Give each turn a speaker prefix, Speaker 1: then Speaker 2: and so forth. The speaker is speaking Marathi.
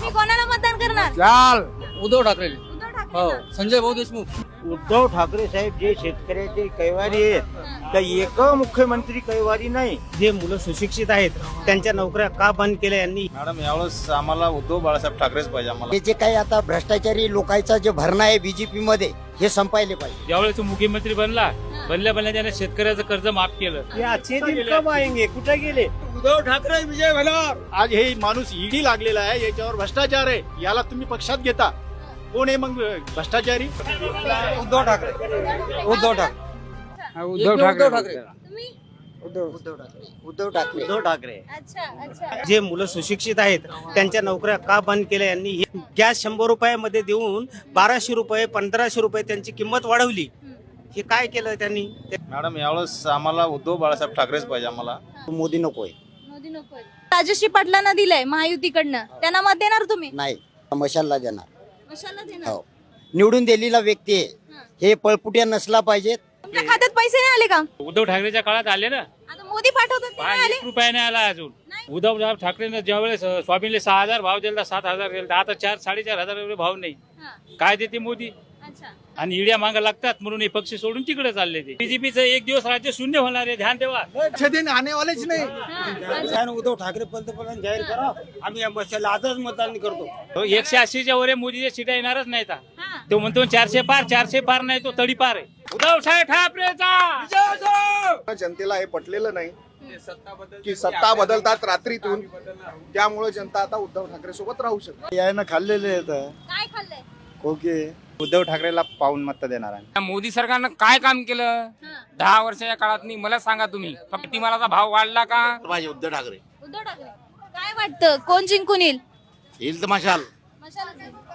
Speaker 1: तुम्ही कोणाला मतदान करणार?
Speaker 2: चाल
Speaker 3: उद्धव ठाकरे.
Speaker 1: उद्धव ठाकरे
Speaker 3: हो,
Speaker 1: ना?
Speaker 3: संजय भाऊ देशमुख.
Speaker 4: उद्धव ठाकरे साहेब जे शेतकऱ्याचे कैवारी आहेत तर एक मुख्यमंत्री कैवारी नाही. जे मुलं सुशिक्षित आहेत त्यांच्या नोकऱ्या का बंद केल्या यांनी?
Speaker 5: मॅडम यावेळेस आम्हाला उद्धव बाळासाहेब ठाकरेच पाहिजे आम्हाला.
Speaker 6: हे जे काही आता भ्रष्टाचारी लोकांचा जे भरणा आहे बीजेपी मध्ये हे संपायले पाहिजे.
Speaker 7: ज्यावेळेस तो मुख्यमंत्री बनला त्याने शेतकऱ्याचं कर्ज माफ केलं.
Speaker 4: याचे दिन कब आएंगे? कुठे गेले?
Speaker 2: उद्धव ठाकरे विजय होणार. आज हे माणूस ईडी लागलेला आहे, याच्यावर भ्रष्टाचार आहे, याला तुम्ही पक्षात घेता. कोण आहे मग भ्रष्टाचारी?
Speaker 3: उद्धव ठाकरे. उद्धव ठाकरे.
Speaker 2: उद्धव
Speaker 3: ठाकरे.
Speaker 1: तुम्ही?
Speaker 6: उद्धव ठाकरे.
Speaker 4: उद्धव ठाकरे.
Speaker 1: अच्छा अच्छा.
Speaker 4: जे मुलं सुशिक्षित आहेत त्यांच्या नोकऱ्या का बंद केल्या यांनी? गॅस 100 रुपयामध्ये देऊन 1200 रुपये 1500 रुपये त्यांची किंमत वाढवली. हे काय केलं त्यांनी?
Speaker 5: मॅडम यावेळेस आम्हाला उद्धव बाळासाहेब ठाकरेच पाहिजे आम्हाला.
Speaker 6: मोदी नकोय.
Speaker 1: मोदी नकोय. राजश्री पाटलांना दिलंय महायुतीकडनं, त्यांना मत देणार तुम्ही?
Speaker 6: नाही, मशालला देणार.
Speaker 1: कशाला देणार?
Speaker 6: हो, निवडून दिलेला व्यक्ती आहे, हे पळपुट्या नसला पाहिजे.
Speaker 1: तुमच्या खात्यात पैसे नाही आले का?
Speaker 7: उद्धव ठाकरेच्या काळात आले ना.
Speaker 1: आता मोदी पाठवतात ते नाही आले?
Speaker 7: 1 रुपया नाही आला अजून. उद्धव ठाकरेनं ज्यावेळेस स्वामीला 6000 भाव दिला, 7000 दिला, आता 4-4.5 हजार भाव नाही.
Speaker 1: हा.
Speaker 7: काय देते मोदी?
Speaker 1: अच्छा.
Speaker 7: आणि इड्या मागा लागतात म्हणून हे पक्ष सोडून तिकडे चालले. ते बीजेपीचं एक दिवस राज्य शून्य होणार आहे, ध्यान ठेवा.
Speaker 2: दिन आने वालेच नाही.
Speaker 1: हा.
Speaker 4: उद्धव ठाकरे पंतप्रधान जाहीर करा, आम्ही या मशाला आजच मतदान करतो.
Speaker 7: तो 180च्या वर मोदीच्या सीटा येणारच नाही.
Speaker 1: हा.
Speaker 7: तो म्हणतो 400 पार नाही, तो तडी पार आहे. उद्धव साहेब ठाकरेचा.
Speaker 8: जनतेला हे पटलेलं नाही की सत्ता बदलतात रात्रीतून, त्यामुळे जनता आता उद्धव ठाकरे सोबत राहू शकते.
Speaker 4: यानं खाल्लेले आहेत
Speaker 1: काय खाल्लंय?
Speaker 4: ओके. उद्धव ठाकरेला पाहून मत देणार आहे.
Speaker 9: मोदी सरकारनं काय काम केलं
Speaker 1: हा.
Speaker 9: 10 वर्षाच्या काळात? मला सांगा तुम्ही. शेतीमालाचा भाव वाढला का?
Speaker 8: पाहिजे उद्धव ठाकरे
Speaker 1: उद्धव ठाकरे. काय वाटतं कोण जिंकून येईल?
Speaker 8: येईल तर मशाल.
Speaker 1: मशालच येईल.